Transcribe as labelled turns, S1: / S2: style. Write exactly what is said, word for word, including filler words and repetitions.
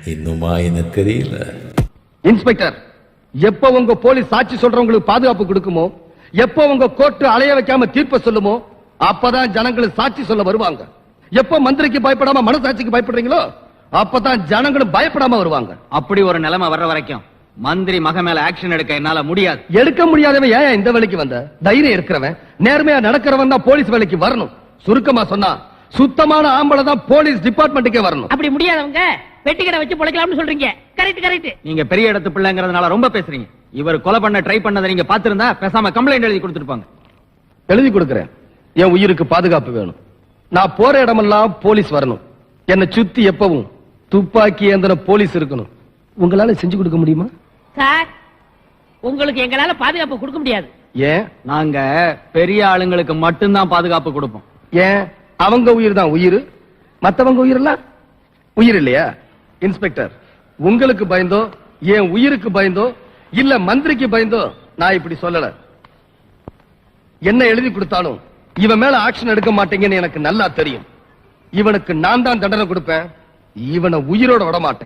S1: இன்னுமா எனக்கு தெரியல.
S2: இன்ஸ்பெக்டர், எப்ப உங்க போலீஸ் சாட்சி சொல்றவங்களுக்கு பாதுகாப்பு கொடுக்குமோ, எப்ப உங்க கோர்ட்டு அலைய வைக்காம தீர்ப்பு சொல்லுமோ, அப்பதான் ஜனங்களுக்கு சாட்சி சொல்ல வருவாங்க. எப்ப மந்திரிக்கு பயப்படாம மனசாட்சிக்கு பயப்படுறீங்களோ, அப்பதான் ஜனங்களும் பயப்படாம வருவாங்க.
S3: அப்படி ஒரு நிலைமை வர்ற வரைக்கும் மந்திரி மக மேல ஆக்ஷன் எடுக்க என்னால முடியாது.
S2: எடுக்க முடியாதவன் ஏன் இந்த வேலைக்கு வந்த? தைரியம் இருக்கிறவன், நேர்மையா நடக்கிறவன் தான் போலீஸ் வேலைக்கு வரணும். சுருக்கமா சொன்னா, சுத்தமான ஆம்பளை தான் போலீஸ் டிபார்ட்மெண்ட்டுக்கே வரணும்.
S4: அப்படி முடியாதவங்க வெட்டி கடை வச்சு பொழைக்கலாம்னு சொல்றீங்க. Correct correct.
S3: நீங்க பெரிய இடத்து பிள்ளைங்கிறதுனால ரொம்ப பேசுறீங்க. இவர் கொலை பண்ண ட்ரை பண்ணதை நீங்க பாத்திருந்தா பேசாம கம்ப்ளைண்ட் எழுதி கொடுத்துருப்பாங்க.
S2: எழுதி கொடுக்கிறேன். என் உயிருக்கு பாதுகாப்பு வேணும். நான் போற இடமெல்லாம் போலீஸ் வரணும். என்னை சுத்தி எப்பவும் துப்பாக்கி ஏந்தின போலீஸ் இருக்கணும். உங்களால செஞ்சு கொடுக்க முடியுமா?
S4: சார், உங்களுக்கு எங்களால பாதுகாப்பு கொடுக்க முடியாது.
S2: ஏன்?
S3: நாங்க பெரிய ஆளுங்களுக்கு மட்டும்தான் பாதுகாப்பு கொடுப்போம்.
S2: ஏன்? அவங்க உயிர் தான் உயிர், மத்தவங்க உயிர் எல்லாம் உயிர் இல்லையா? இன்ஸ்பெக்டர், உங்களுக்கு பயந்தோ, என் உயிருக்கு பயந்தோ, இல்ல மந்திரிக்கு பயந்தோ நான் இப்படி சொல்லல. என்ன எழுதி கொடுத்தாலும் இவன் மேல ஆக்ஷன் எடுக்க மாட்டீங்கன்னு எனக்கு நல்லா தெரியும். இவனுக்கு நான் தான் தண்டனை கொடுப்பேன். இவனை உயிரோட விட மாட்டேன்.